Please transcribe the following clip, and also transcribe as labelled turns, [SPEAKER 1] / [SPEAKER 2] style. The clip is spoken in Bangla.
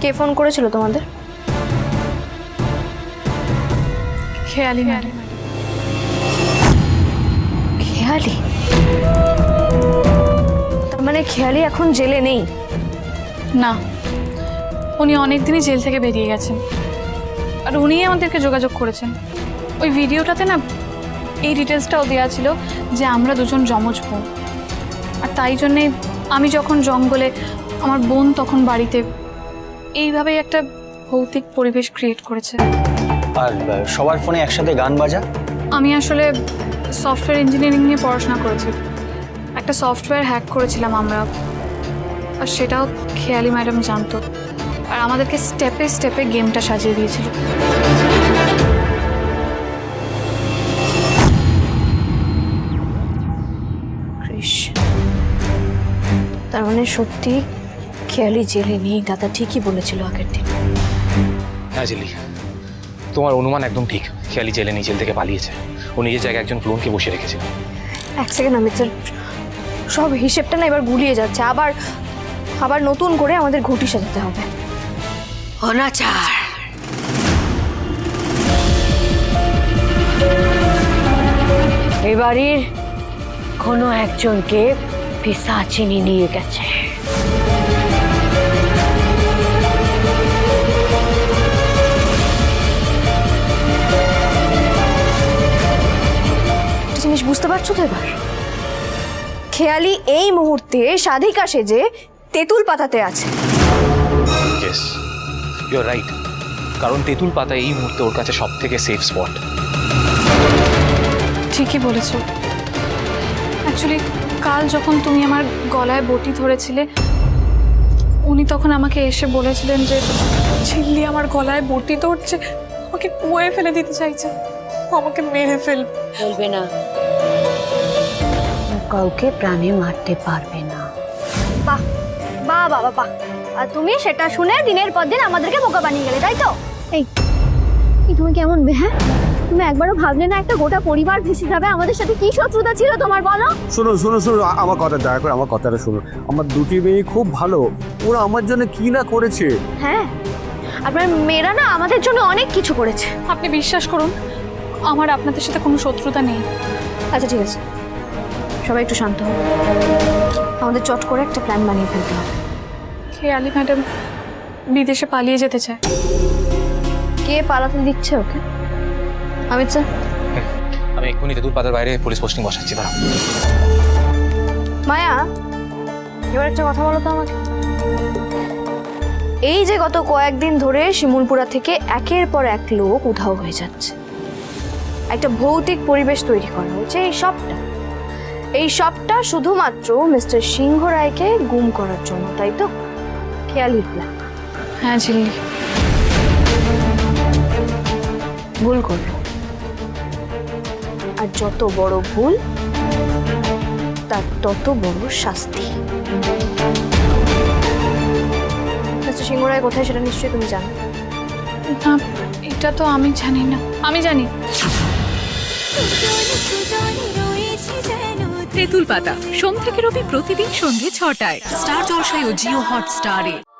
[SPEAKER 1] কে ফোন করেছিল তোমাদের?
[SPEAKER 2] খেয়ালি ম্যাডাম।
[SPEAKER 1] খেয়ালি? তার মানে খেয়ালি এখন জেলে নেই?
[SPEAKER 2] না, উনি অনেকদিনই জেল থেকে বেরিয়ে গেছেন, আর উনিই আমাদেরকে যোগাযোগ করেছেন। ওই ভিডিওটাতে না এই ডিটেলসটাও দেওয়া ছিল যে আমরা দুজন যমজ বোন, আর তাই জন্যে আমি যখন জঙ্গলে, আমার বোন তখন বাড়িতে, এইভাবেই একটা ভৌতিক পরিবেশ ক্রিয়েট করেছে।
[SPEAKER 3] আর সবার ফোনে একসাথে গান বাজা?
[SPEAKER 2] আমি আসলে সফটওয়্যার ইঞ্জিনিয়ারিং নিয়ে পড়াশোনা করেছি। একটা সফটওয়্যার হ্যাক করেছিলাম আমরা, আর সেটাও খেয়ালি ম্যাডাম জানতো, আর আমাদেরকে স্টেপে স্টেপে গেমটা সাজিয়ে দিয়েছিল।
[SPEAKER 1] কৃষ, তার মানে সত্যি খেয়ালি জেলে নেই, দাদা ঠিকই বলেছিল আগের দিন।
[SPEAKER 4] হ্যাঁ জেলি, তোমার অনুমান একদম ঠিক। খেয়ালি জেলে নেই, জেল থেকে পালিয়েছে। ও নিজের জায়গায় একজন ক্লোনকে বসে রেখেছিল।
[SPEAKER 1] এক সেকেন্ড অমিত স্যার, সব হিসেবটা না এবার গুলিয়ে যাচ্ছে। আবার আবার নতুন করে আমাদের ঘুঁটি সাজাতে হবে।
[SPEAKER 5] অনাচার। এ বাড়ির কোনো একজনকে পিশাচিনী নিয়ে গেছে।
[SPEAKER 1] একটা জিনিস বুঝতে পারছো তো এবার? খেয়ালি এই মুহূর্তে সাধিকা সেজে তেঁতুল পাতাতে আছে।
[SPEAKER 4] Yes, you are right. কারণ তেঁতুল পাতা এই মুহূর্তে ওর কাছে সব থেকে সেফ স্পট।
[SPEAKER 2] ঠিকই বলেছো। অ্যাকচুয়ালি কাল যখন তুমি আমার গলায় বটি ধরেছিলে, উনি তখন আমাকে এসে বলেছিলেন যে ঝিল্লি আমার গলায় বটি ধরছে, আমাকে কুয়োয় ফেলে দিতে চাইছে, ও আমাকে মেরে ফেলবে।
[SPEAKER 5] বলবে না, ও কাউকে প্রাণে মারতে পারবে না।
[SPEAKER 6] বাহ বাহ বাবা বাহ, আর তুমি সেটা শুনে দিনের পর দিন আমাদেরকে বোকা বানিয়ে গেলে, তাই তো? এই তুমি কেমন হ্যাঁ? তুমি একবারও ভাবলে না একটা গোটা পরিবার ভেসে যাবে? আমাদের সাথে কি শত্রুতা ছিল তোমার, বলো?
[SPEAKER 7] শোনো শোনো শোনো, আমার কথা দয়া করে আমার কথাটা শোনো। আমার দুটি মেয়ে খুব ভালো, ওরা আমার জন্য কি না করেছে।
[SPEAKER 6] হ্যাঁ, আপনার মেয়েরা না আমাদের জন্য অনেক কিছু করেছে।
[SPEAKER 2] আপনি বিশ্বাস করুন, আমার আপনাদের সাথে কোনো শত্রুতা নেই।
[SPEAKER 1] আচ্ছা ঠিক আছে, সবাই একটু শান্ত হও। আমাদের চট করে একটা প্ল্যান বানিয়ে ফেলতে হবে।
[SPEAKER 2] খেয়ালি ম্যাডাম বিদেশে পালিয়ে যেতে চায়।
[SPEAKER 1] কে পালাতে দিচ্ছে ওকে? অমিত স্যার,
[SPEAKER 4] আমি এক্ষুনি তেঁতুল পাতার বাইরে পুলিশ পোস্টিং বসাচ্ছি। দাঁড়াও।
[SPEAKER 1] মায়া, এবার একটা কথা বলো তো আমাকে। এই যে গত কয়েকদিন ধরে শিমুলপুরা থেকে একের পর এক লোক উধাও হয়ে যাচ্ছে, একটা ভৌতিক পরিবেশ তৈরি করা হয়েছে, এই সবটা শুধুমাত্র মিস্টার সিংহ রায়কে গুম করার জন্য, তাই তো? খেয়ালির প্ল্যান।
[SPEAKER 2] হ্যাঁ ঝিল্লি,
[SPEAKER 1] ভুল করলো, আর যত বড় ভুল তার তত বড় শাস্তি। মিস্টার সিংহ রায় কোথায় সেটা নিশ্চয়ই তুমি জানো।
[SPEAKER 2] না এটা তো আমি জানি না। আমি জানি।
[SPEAKER 8] তেঁতুল পাতা সোম থেকে রবি প্রতিদিন সন্ধ্যে ৬টায় স্টার জলসায় ও জিও হটস্টারে।